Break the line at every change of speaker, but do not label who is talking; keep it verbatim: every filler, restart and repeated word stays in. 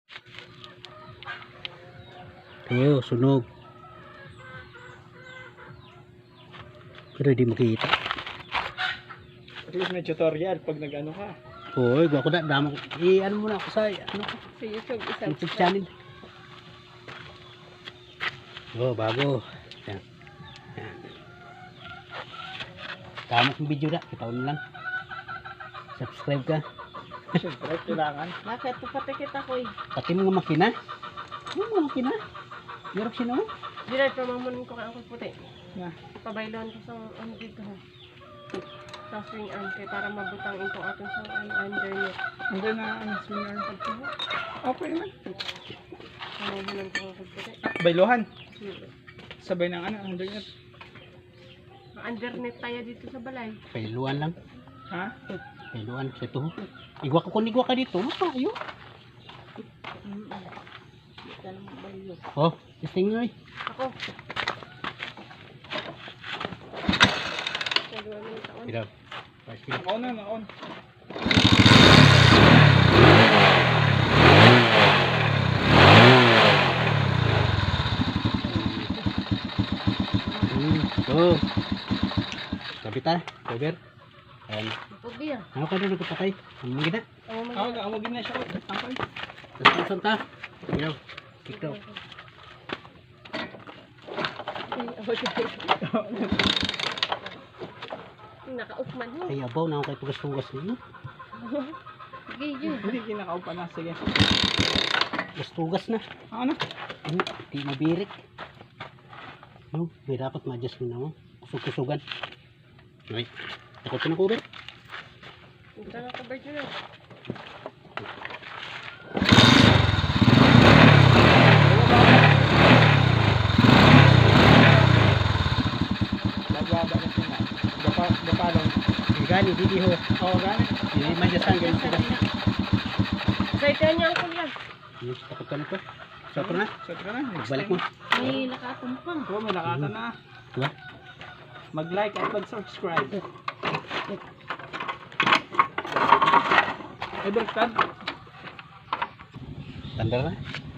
Ayo, sunog. Pero di makita.
At least may tutorial pag nag-ano ka.
Hoy, gwa ko na damo. I ano muna ako sa ano ko,
Sa YouTube, isang
YouTube channel. Oh, bago. Yan. Yan. Tama kong video na, kita mo lang. Subscribe ka.
Siyempre, kailangan.
Bakit? Papatikit ako eh.
Pati mga makina. Ano mga makina? Meron sino mo?
Diray, pamamunin ko kaya ako puti.
Na.
Pabayloan ko sa ano dito ha. Sa swing arm kaya para mabutang itong ating sa ano, under niya.
Hanggang na ang swinger. Okay naman.
Pamamunin ko ako puti.
Bailuhan.
Hmm.
Sabay ng ano, undernet.
Undernet tayo dito sa balay.
Pailuan lang.
Ha?
Pailuan sa ito. Igwa ka kung igwa ka dito. Maka, ayo. Oh, stinger eh.
Ako. Sa dua minute taon.
Hirap. Pasti.
Nakaon na, nakaon.
Hmm, go. Kapita, cover. Ayan.
Pagbiya.
Ano ka na nagpapatay? Ano mo gina?
Ako mo.
Ako, awagin na siya ko. Tangkol.
Tapos pusan ta. Ginaw. Kick daw.
Naka-off-man mo.
Ay, abaw na ako kay tugas-tugas ninyo.
Sige, yun.
Hindi, kinakao pa na. Sige.
Tugas-tugas na.
Ano?
Hmm, di mabirik. No, may dapat ma-adjust mo na mo. Kusog-kusugan. Okay. Takot ka na cover.
Hindi ka na-cover dyan ah.
Lagwaba na siya na. Gapa, gapalong.
Gani, di di ho.
Oo, gani.
Di ma-adjustan ganyan sila.
Excited niya ako yan.
Hmm, takot ka na to. Sopra na.
Set ka na. Next
Balik
time.
mo.
May nakatumpang.
Oo, may nakata na.
Diba?
Mag-like at mag-subscribe. Ay, baliktad.
Tanda na.